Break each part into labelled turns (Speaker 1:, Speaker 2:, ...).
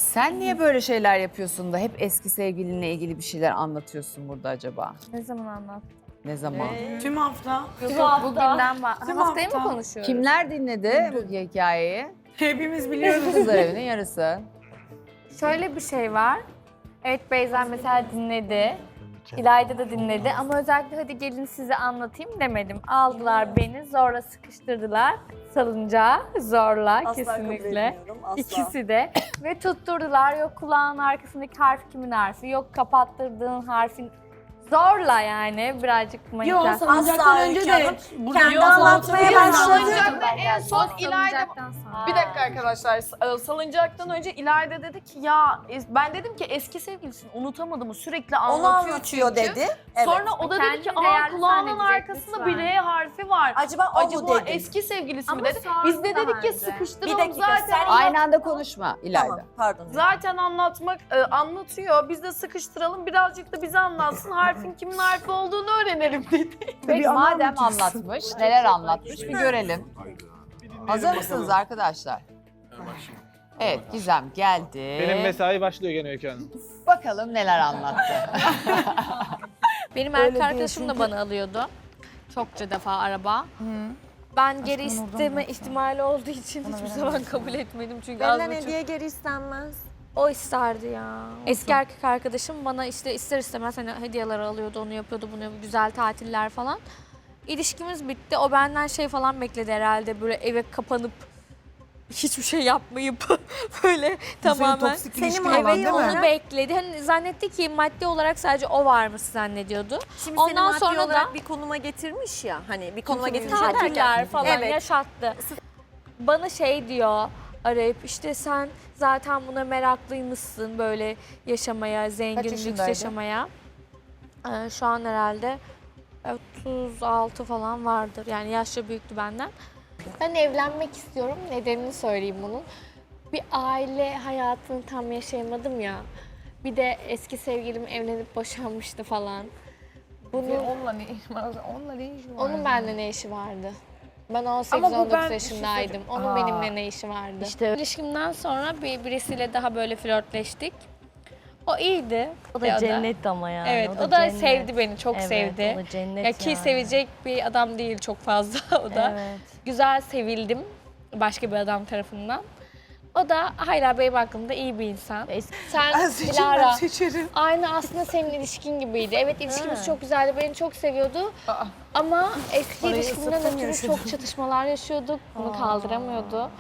Speaker 1: Sen niye böyle şeyler yapıyorsun da hep eski sevgilinle ilgili bir şeyler anlatıyorsun burada acaba?
Speaker 2: Ne zaman anlattın?
Speaker 1: Ne zaman?
Speaker 3: Tüm hafta.
Speaker 2: Bugünden haftayı mı
Speaker 3: hafta.
Speaker 2: konuşuyoruz?
Speaker 1: Kimler dinledi bu hikayeyi?
Speaker 3: Hepimiz biliyoruz.
Speaker 1: Kızlar evinin yarısı.
Speaker 2: Şöyle bir şey var. Evet Beyza mesela dinledi. İlayda da dinledi ama özellikle hadi gelin size anlatayım demedim. Aldılar beni zorla sıkıştırdılar. Salıncağa zorla
Speaker 4: Asla kabul
Speaker 2: kesinlikle.
Speaker 4: etmiyorum, asla.
Speaker 2: İkisi de. Ve tutturdular. Yok kulağın arkasındaki harf kimin harfi? Yok kapattırdığın harfin zorla yani birazcık
Speaker 3: Yok
Speaker 2: manipülasyon.
Speaker 3: salınacaktan
Speaker 4: Asla
Speaker 3: önce
Speaker 4: Öykü
Speaker 3: de
Speaker 4: Hanım.
Speaker 3: burada
Speaker 4: Kendi
Speaker 3: yok,
Speaker 4: anlatmaya
Speaker 3: salınacaktan
Speaker 4: başladı.
Speaker 3: önce de-
Speaker 5: En son İlayda...
Speaker 2: Salıncaktan sonra.
Speaker 5: Bir dakika arkadaşlar, salıncaktan önce İlayda dedi ki ya ben dedim ki eski sevgilisini unutamadım, sürekli
Speaker 4: Onu
Speaker 5: anlatıyor
Speaker 4: anlatıyor
Speaker 5: çünkü.
Speaker 4: dedi. Evet.
Speaker 5: Sonra o da dedi ki
Speaker 2: Kendini
Speaker 5: aa
Speaker 2: değerli
Speaker 5: kulağının
Speaker 2: zannedecek,
Speaker 5: arkasında
Speaker 2: lütfen.
Speaker 5: bir R harfi var.
Speaker 4: Acaba o mu
Speaker 5: Acaba
Speaker 4: dedi?
Speaker 5: eski sevgilisi mi
Speaker 2: Ama
Speaker 5: dedi.
Speaker 2: sordu
Speaker 5: Biz de
Speaker 2: daha
Speaker 5: dedik ki
Speaker 2: önce.
Speaker 5: sıkıştıralım
Speaker 4: Bir dakika,
Speaker 5: zaten.
Speaker 4: sen-
Speaker 1: Aynı anda konuşma İlayda.
Speaker 4: Tamam, pardon.
Speaker 5: Zaten anlatıyor. Biz de sıkıştıralım. Birazcık da bize anlatsın. Harfin kimin harfi olduğunu öğrenelim dedi.
Speaker 1: Peki madem anlatmış, neler anlatmış bir görelim. Hazır mısınız arkadaşlar? Evet, Gizem geldi.
Speaker 6: Benim mesai başlıyor gene Öykü Hanım.
Speaker 1: Bakalım neler anlattı.
Speaker 2: Benim erkek arkadaşım da bana alıyordu. Çokça defa araba. Ben geri isteme ihtimali olduğu için hiçbir zaman kabul etmedim çünkü az
Speaker 4: Benden
Speaker 2: buçuk.
Speaker 4: hediye geri istenmez.
Speaker 2: O isterdi ya. Eski erkek arkadaşım bana işte ister istemez hani hediyeler alıyordu, onu yapıyordu, bunu yapıyordu, güzel tatiller falan. İlişkimiz bitti. O benden şey falan bekledi herhalde böyle eve kapanıp hiçbir şey yapmayıp böyle tamamen.
Speaker 4: Senin
Speaker 2: Evet onu bekledi. Hani zannetti ki maddi olarak sadece o varmış zannediyordu.
Speaker 4: Şimdi
Speaker 2: Ondan
Speaker 4: seni maddi
Speaker 2: sonra
Speaker 4: olarak
Speaker 2: da-
Speaker 4: bir konuma getirmiş ya. Hani bir konuma getirmiş
Speaker 2: Tatiller
Speaker 4: derken.
Speaker 2: falan
Speaker 4: Evet.
Speaker 2: yaşattı. Bana şey diyor arayıp işte sen zaten buna meraklıymışsın böyle yaşamaya, zengin, lüks
Speaker 1: yaşındaydı?
Speaker 2: yaşamaya. Şu an herhalde 36 falan vardır. Yani yaşça büyüktü benden. Ben evlenmek istiyorum. Nedenini söyleyeyim bunun. Bir aile hayatını tam yaşayamadım ya. Bir de eski sevgilim evlenip boşanmıştı falan.
Speaker 5: Onunla ne işi var? Onunla ne işi var?
Speaker 2: Onun benimle ne işi vardı? Ben
Speaker 5: Ama bu
Speaker 2: 18-19
Speaker 5: ben-
Speaker 2: yaşındaydım. Onun benimle ne işi vardı? İşte ilişkimden sonra birisiyle daha böyle flörtleştik. O iyiydi.
Speaker 7: O da cennet ama yani.
Speaker 2: Evet, o da
Speaker 7: cennet.
Speaker 2: sevdi beni, çok
Speaker 7: Evet,
Speaker 2: sevdi.
Speaker 7: o da cennet
Speaker 2: Ya ki
Speaker 7: yani.
Speaker 2: sevecek bir adam değil çok fazla o da.
Speaker 7: Evet.
Speaker 2: Güzel sevildim başka bir adam tarafından. O da hala benim hakkımda iyi bir insan. Sen Dilara, aynı aslında senin ilişkin gibiydi. Evet ilişkimiz çok güzeldi, beni çok seviyordu. Ama eski ilişkimden ötürü çok çatışmalar yaşıyorduk. Bunu kaldıramıyordu.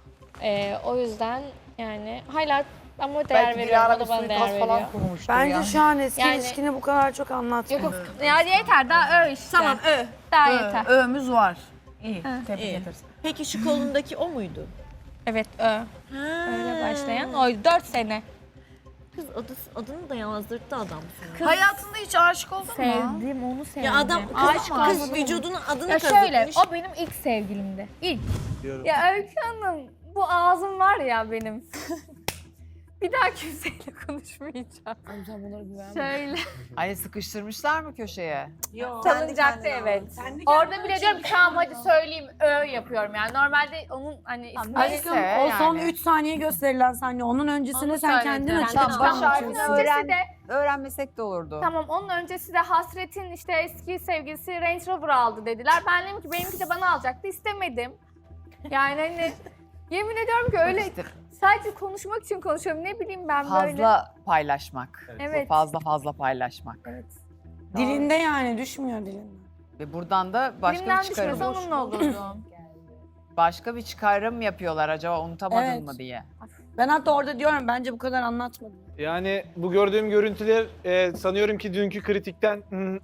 Speaker 2: O yüzden yani hala ama değer veriyorum, o da bana değer veriyor.
Speaker 3: Bence şu an eski
Speaker 2: Yani-
Speaker 3: ilişkini bu kadar çok anlatmıyor.
Speaker 2: Yok ya yeter daha işte.
Speaker 4: Tamam,
Speaker 2: Daha yeter.
Speaker 3: Öğümüz var.
Speaker 4: İyi. Peki şu kolundaki o muydu?
Speaker 2: Evet öyle başlayan oydu 4 sene.
Speaker 7: Kız adını da yazdırttı adam sana.
Speaker 5: Hayatında hiç aşık oldun mu?
Speaker 2: Sevdim onu sevdim.
Speaker 4: Ya adam kız vücudunun adını
Speaker 2: Ya şöyle
Speaker 4: kazıtmış.
Speaker 2: o benim ilk sevgilimdi. İlk. Ya Öykü Hanım bu ağzım var ya benim. Bir daha kimseyle konuşmayacağım.
Speaker 5: Sen bunlara güvenme.
Speaker 2: Şöyle.
Speaker 1: Hani sıkıştırmışlar mı köşeye?
Speaker 4: Yok.
Speaker 2: Salıncakta evet. Orada bile diyorum ki tamam hadi söyleyeyim yapıyorum yani. Normalde onun hani ismi
Speaker 1: Neyse
Speaker 3: O son
Speaker 1: yani.
Speaker 3: 3 saniye gösterilen saniye. Onun öncesine
Speaker 2: Onu
Speaker 3: sen
Speaker 2: söyledim.
Speaker 3: kendin açık
Speaker 1: Tamam,
Speaker 3: açık
Speaker 1: baş harfini
Speaker 3: anlatıyorsun.
Speaker 1: öğren.
Speaker 2: öncesi de
Speaker 1: Öğrenmesek de olurdu.
Speaker 2: tamam onun öncesi de Hasret'in işte eski sevgilisi Range Rover aldı dediler. Ben dedim ki benimki de bana alacaktı istemedim. Yani hani yemin ediyorum ki öyle
Speaker 1: İşte
Speaker 2: sadece konuşmak için konuşuyorum ne bileyim ben böyle.
Speaker 1: fazla paylaşmak.
Speaker 2: Evet.
Speaker 1: Fazla paylaşmak.
Speaker 2: Evet.
Speaker 3: Dilinde yani düşmüyor dilinden.
Speaker 1: Ve buradan da başka
Speaker 2: Dilimden
Speaker 1: bir çıkarım.
Speaker 2: düşmese onunla olurdum.
Speaker 1: Başka bir çıkarım yapıyorlar acaba unutamadın
Speaker 3: Evet.
Speaker 1: mı diye.
Speaker 3: Ben hatta orada diyorum bence bu kadar anlatmadım.
Speaker 6: Yani bu gördüğüm görüntüler sanıyorum ki dünkü kritikten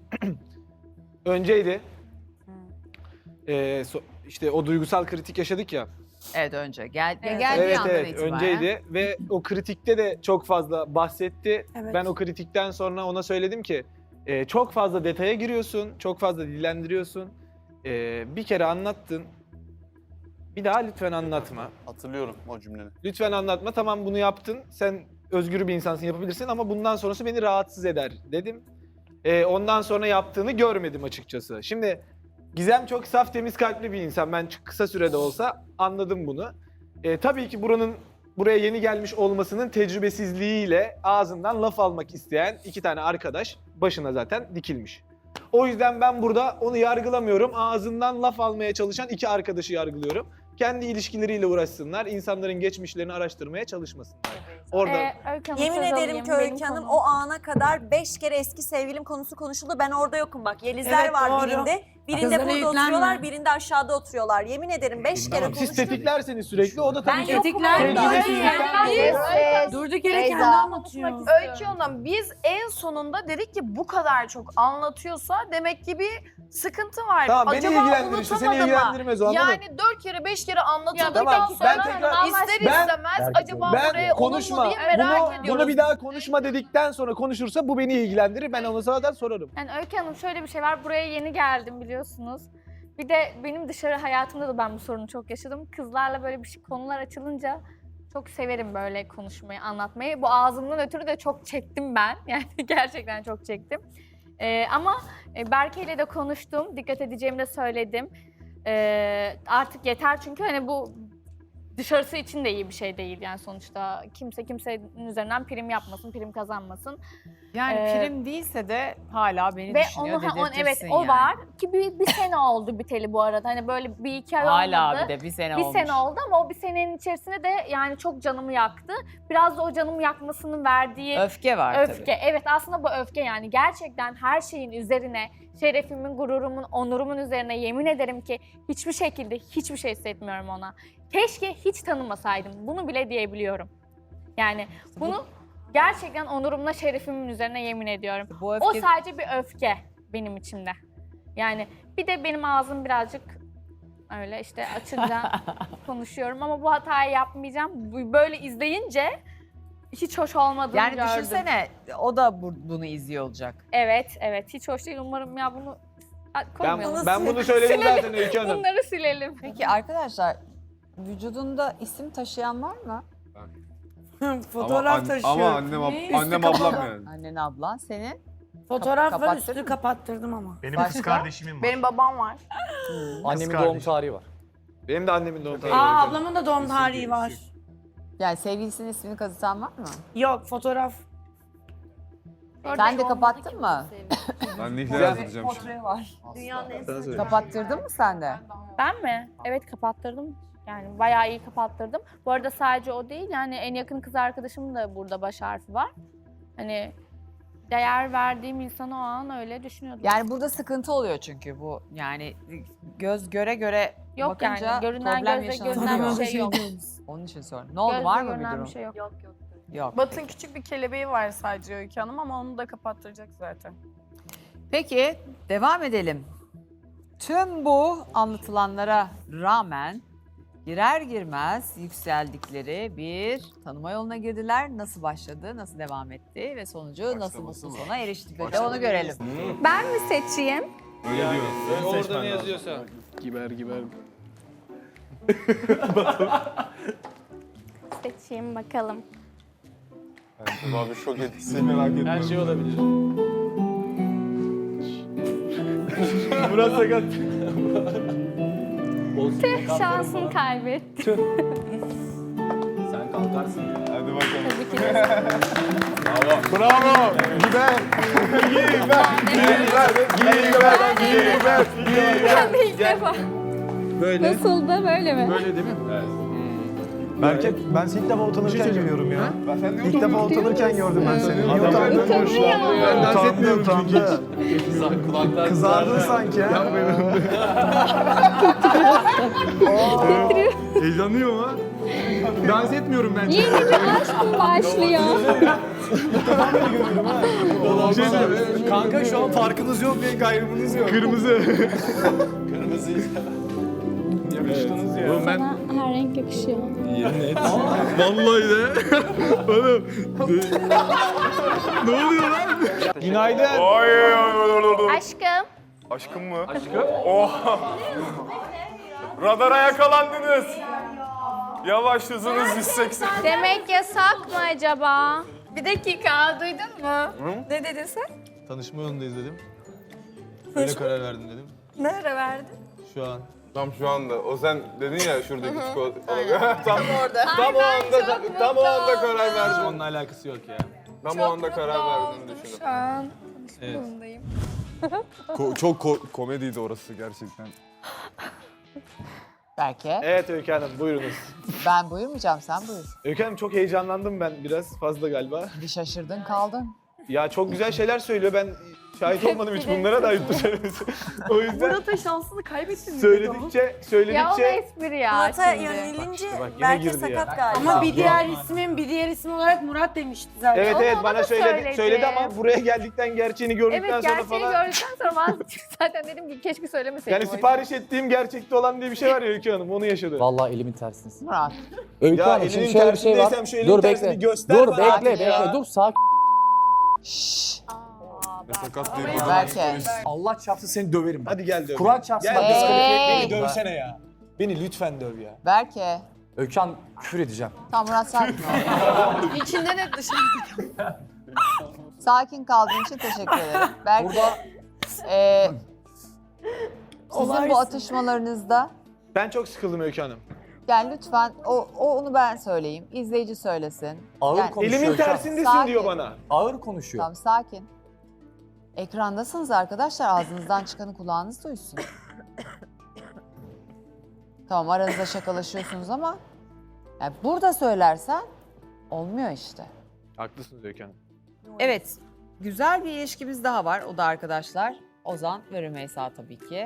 Speaker 6: önceydi. İşte o duygusal kritik yaşadık ya.
Speaker 1: Evet önce. Geldiği
Speaker 6: Evet
Speaker 1: andan
Speaker 6: evet
Speaker 1: itibaren.
Speaker 6: önceydi ve o kritikte de çok fazla bahsetti.
Speaker 3: Evet.
Speaker 6: Ben o kritikten sonra ona söyledim ki çok fazla detaya giriyorsun, çok fazla dillendiriyorsun. Bir kere anlattın. Bir daha lütfen anlatma.
Speaker 8: Hatırlıyorum o cümleni.
Speaker 6: Lütfen anlatma. Tamam bunu yaptın. Sen özgür bir insansın yapabilirsin ama bundan sonrası beni rahatsız eder dedim. Ondan sonra yaptığını görmedim açıkçası. Şimdi Gizem çok saf temiz kalpli bir insan. Ben kısa sürede olsa anladım bunu. Tabii ki buranın buraya yeni gelmiş olmasının tecrübesizliğiyle ağzından laf almak isteyen 2 tane arkadaş başına zaten dikilmiş. O yüzden ben burada onu yargılamıyorum. Ağzından laf almaya çalışan 2 arkadaşı yargılıyorum. Kendi ilişkileriyle uğraşsınlar, insanların geçmişlerini araştırmaya çalışmasınlar. Orada
Speaker 2: Öykü Hanım,
Speaker 7: Yemin
Speaker 2: söz
Speaker 7: ederim
Speaker 2: alayım,
Speaker 7: ki
Speaker 2: benim
Speaker 7: Öykü Hanım
Speaker 2: konum.
Speaker 7: o ana kadar 5 kere eski sevgilim konusu konuşuldu. Ben orada yokum bak. Yelizler
Speaker 3: Evet,
Speaker 7: var
Speaker 3: doğru.
Speaker 7: birinde. Birinde
Speaker 3: Kızlara
Speaker 7: burada
Speaker 3: yüklenme.
Speaker 7: oturuyorlar, birinde aşağıda oturuyorlar. Yemin ederim 5 kere
Speaker 6: tamam, siz
Speaker 7: konuştuk.
Speaker 6: tetiklerseniz sürekli o da tabii
Speaker 7: Ben
Speaker 6: ki...
Speaker 7: yokum
Speaker 3: Tetikler
Speaker 7: orada.
Speaker 3: mi?
Speaker 1: Biz,
Speaker 3: Durduk yere
Speaker 1: Beyza.
Speaker 3: kendi anlatıyor.
Speaker 5: Öykü Hanım biz en sonunda dedik ki bu kadar çok anlatıyorsa demek ki bir sıkıntı var.
Speaker 6: Tamam beni
Speaker 5: Acaba
Speaker 6: ilgilendirir işte, seni
Speaker 5: unutamadı mı?
Speaker 6: ilgilendirmez o anladın mı?
Speaker 5: Yani 4 kere 5 kere anlatıldıktan
Speaker 6: Tamam,
Speaker 5: sonra
Speaker 6: ben tekrar-
Speaker 5: ister
Speaker 6: Ben-
Speaker 5: istemez acaba buraya
Speaker 6: Ben
Speaker 5: olur mu
Speaker 6: konuşma,
Speaker 5: diye merak ediyoruz.
Speaker 6: bunu bir daha konuşma dedikten sonra konuşursa bu beni ilgilendirir. Ben ona zaten sorarım.
Speaker 2: Yani Öykü Hanım şöyle bir şey var. Buraya yeni geldim biliyorsunuz. Bir de benim dışarı hayatımda da ben bu sorunu çok yaşadım. Kızlarla böyle bir şey konular açılınca çok severim böyle konuşmayı, anlatmayı. Bu ağzımdan ötürü de çok çektim ben. Yani gerçekten çok çektim. Ama Berke ile de konuştum. Dikkat edeceğimi de söyledim. Artık yeter çünkü hani bu dışarısı için de iyi bir şey değil yani sonuçta. Kimse kimsenin üzerinden prim yapmasın, prim kazanmasın.
Speaker 1: yani
Speaker 2: Ee,
Speaker 1: prim değilse de hala beni
Speaker 2: Ve
Speaker 1: düşünüyor,
Speaker 2: onu evet
Speaker 1: dedirtirsin
Speaker 2: o
Speaker 1: yani.
Speaker 2: var ki bir sene oldu biteli bu arada. Hani böyle bir iki ay
Speaker 1: Hala
Speaker 2: olmadı.
Speaker 1: bir de bir sene
Speaker 2: Bir
Speaker 1: olmuş.
Speaker 2: sene oldu ama o bir senenin içerisinde de yani çok canımı yaktı. Biraz da o canımı yakmasının verdiği
Speaker 1: Öfke var
Speaker 2: öfke.
Speaker 1: tabii.
Speaker 2: Evet aslında bu öfke yani gerçekten her şeyin üzerine, şerefimin, gururumun, onurumun üzerine yemin ederim ki hiçbir şekilde hiçbir şey hissetmiyorum ona. Keşke hiç tanımasaydım. Bunu bile diyebiliyorum. Yani bunu gerçekten onurumla, şerefimin üzerine yemin ediyorum.
Speaker 1: Bu
Speaker 2: O
Speaker 1: öfke
Speaker 2: sadece bir öfke benim içimde. Yani bir de benim ağzım birazcık öyle işte açınca konuşuyorum ama bu hatayı yapmayacağım. Böyle izleyince hiç hoş olmadığını
Speaker 1: yani
Speaker 2: gördüm.
Speaker 1: düşünsene o da bunu izliyor olacak.
Speaker 2: Evet, hiç hoş değil. Umarım ya bunu koymayalım.
Speaker 6: Ben bunu söyledim zaten Öykü Hanım.
Speaker 2: Bunları silelim.
Speaker 1: Peki arkadaşlar vücudunda isim taşıyan var mı?
Speaker 3: Fotoğraf taşıyor.
Speaker 8: Ama annem ablam yani.
Speaker 1: Annen, ablan, senin?
Speaker 3: Fotoğraf var,
Speaker 1: Kapattın
Speaker 3: üstünü
Speaker 1: mı?
Speaker 3: kapattırdım ama.
Speaker 9: Benim
Speaker 1: Başka?
Speaker 9: kız kardeşimin var.
Speaker 5: Benim babam var.
Speaker 9: Annemin doğum tarihi var.
Speaker 6: Benim de annemin doğum tarihi.
Speaker 3: Aa ablamın da doğum tarihi var.
Speaker 1: Yani sevgilisinin ismini kazıtan var mı?
Speaker 3: Yok fotoğraf.
Speaker 1: Sen de kapattın mı?
Speaker 8: Ben Nihle yazdıracağım şimdi.
Speaker 1: var.
Speaker 7: Dünyanın en
Speaker 6: Sana söyle.
Speaker 1: Kapattırdın mı sen de?
Speaker 2: Ben mi? Evet kapattırdım. Yani bayağı iyi kapattırdım. Bu arada sadece o değil yani en yakın kız arkadaşımın da burada baş harfi var. Hani değer verdiğim insanı o an öyle düşünüyordum.
Speaker 1: Yani burada sıkıntı oluyor çünkü bu yani göz göre göre
Speaker 2: yok
Speaker 1: bakınca
Speaker 2: yani görünen
Speaker 1: problem
Speaker 2: gözle
Speaker 1: yaşanabiliyor.
Speaker 2: görünen bir şey yok.
Speaker 1: Onun için sor. Ne oldu
Speaker 2: Gözle
Speaker 1: var mı bir
Speaker 2: görünen
Speaker 1: durum?
Speaker 2: bir şey yok.
Speaker 1: Yok.
Speaker 5: Batın küçük bir kelebeği var sadece Öykü Hanım ama onu da kapattıracak zaten.
Speaker 1: Peki devam edelim. Tüm bu anlatılanlara rağmen girer girmez yükseldikleri bir tanıma yoluna girdiler. Nasıl başladı, nasıl devam etti ve sonucu nasıl mutlu sona eriştikleri de onu görelim.
Speaker 2: Ben mi seçeyim?
Speaker 8: Öyle diyor.
Speaker 6: Orada ne yazıyorsa. Giber.
Speaker 2: Seçeyim bakalım.
Speaker 8: Abi şok etti. Seni merak etme.
Speaker 6: Her şey olabilir. Murat Sakat.
Speaker 2: Şansını kaybetti.
Speaker 9: Sen kalkarsın ya.
Speaker 8: Hadi bakalım.
Speaker 2: Tabii ki de.
Speaker 8: Bravo. Giber.
Speaker 2: Ben de ilk defa.
Speaker 6: Böyle.
Speaker 2: Nasıl da böyle mi?
Speaker 6: Böyle değil mi?
Speaker 9: Berke ben seni ilk defa utanırken görüyorum ya.
Speaker 8: Sen ne
Speaker 9: İlk defa utanırken gördüm ben seni. Niye utandın?
Speaker 6: Ben dans etmiyorum çünkü.
Speaker 9: Utandı. Kızardın sanki ya.
Speaker 6: Heyecanlıyım ama. Dans etmiyorum bence.
Speaker 2: Yeni bir aşk mı başlıyor?
Speaker 9: Kanka şu an farkınız yok diye gayrımınız yok.
Speaker 6: Kırmızı.
Speaker 9: Yakıştınız ya.
Speaker 6: Oğlum ben
Speaker 2: Bana her renk yakışıyor.
Speaker 6: vallahi de. Oğlum. Ne oluyor lan? Günaydın.
Speaker 2: Aşkım.
Speaker 8: Aşkım mı? Aşkım? Oh. Radara yakalandınız. Yavaş hızınız 180.
Speaker 2: Demek yasak mı acaba? Bir dakika duydun mu? Ne dedin sen?
Speaker 9: Tanışma yolundayız dedim. Öyle karar verdim dedim.
Speaker 2: Ne ara verdin?
Speaker 9: Şu an
Speaker 8: Tam şu anda. O sen dedin ya şuradaki çikolata. tam orada. Tam o anda karar verdim.
Speaker 9: Onunla alakası yok ya.
Speaker 8: Tam o anda karar verdim düşündüm.
Speaker 2: Şu an
Speaker 9: Evet.
Speaker 2: durumdayım.
Speaker 8: Çok komediydi orası gerçekten.
Speaker 1: Belki.
Speaker 6: Evet Öykü Hanım buyurunuz.
Speaker 1: Ben buyurmayacağım, sen buyur.
Speaker 6: Öykü Hanım çok heyecanlandım ben biraz fazla galiba.
Speaker 1: Bir şaşırdın kaldın.
Speaker 6: Ya çok güzel şeyler söylüyor. Ben şahit olmadım hiç bunlara da ayıptı söylemesi. O yüzden
Speaker 5: Murat'a şansını kaybettin mi?
Speaker 6: söyledikçe
Speaker 2: Ya o espri ya
Speaker 7: Murat'a
Speaker 2: şimdi.
Speaker 7: yönelince
Speaker 6: bak yine
Speaker 7: belki
Speaker 6: girdi
Speaker 7: sakat
Speaker 6: ya.
Speaker 7: galiba.
Speaker 3: Ama bir diğer isim olarak Murat demişti zaten.
Speaker 6: Evet
Speaker 2: Onu
Speaker 6: evet
Speaker 2: ona
Speaker 6: bana
Speaker 2: da
Speaker 6: söyledi
Speaker 2: söyledi.
Speaker 6: ama buraya geldikten gerçeğini gördükten
Speaker 2: Evet
Speaker 6: sonra
Speaker 2: gerçeği
Speaker 6: falan.
Speaker 2: gördükten sonra ben zaten dedim ki keşke söylemeseydim.
Speaker 6: Yani
Speaker 2: o yüzden.
Speaker 6: sipariş ettiğim gerçekte olan diye bir şey var ya Öykü Hanım onu yaşadı.
Speaker 9: Vallahi elimin tersindesin.
Speaker 1: Murat.
Speaker 9: Öykü
Speaker 6: Ya
Speaker 9: Hanım şimdi
Speaker 6: elinin
Speaker 9: şöyle bir şey var.
Speaker 6: tersindeysem şu elin
Speaker 9: Dur
Speaker 6: tersini
Speaker 9: bekle.
Speaker 6: göster
Speaker 9: Dur
Speaker 6: bana
Speaker 9: bekle
Speaker 6: artık ya.
Speaker 9: bekle. Dur sakin.
Speaker 1: Şşş.
Speaker 8: Ve sakat değil.
Speaker 1: Belki.
Speaker 9: Allah çarpsın seni döverim.
Speaker 6: Hadi gel döv.
Speaker 9: Kur'an çarpsın.
Speaker 6: Gel
Speaker 9: bak,
Speaker 6: döv.
Speaker 1: Hey.
Speaker 6: Beni dövsene ya. Beni lütfen döv ya.
Speaker 1: Belki.
Speaker 9: Öykü Hanım küfür edeceğim.
Speaker 1: Tamam Murat sakin ol.
Speaker 5: İçinden hep dışarı.
Speaker 1: Sakin kaldığın için teşekkür ederim. Belki
Speaker 9: Burada
Speaker 1: sizin bu atışmalarınızda
Speaker 6: Ben çok sıkıldım Öykü Hanım.
Speaker 1: yani lütfen onu ben söyleyeyim. İzleyici söylesin.
Speaker 9: ağır
Speaker 1: Yani-
Speaker 9: konuşuyor.
Speaker 6: Elimin
Speaker 9: Öykü Hanım.
Speaker 6: tersindesin
Speaker 1: Sakin.
Speaker 6: diyor bana.
Speaker 9: Ağır konuşuyor.
Speaker 1: Tamam sakin. Ekrandasınız arkadaşlar. Ağzınızdan çıkanı kulağınız duysun. Tamam aranızda şakalaşıyorsunuz ama yani burada söylersen olmuyor işte.
Speaker 6: Haklısınız Öykü Hanım.
Speaker 1: Evet. Güzel bir ilişkimiz daha var. O da arkadaşlar Ozan ve Rümeysa tabii ki.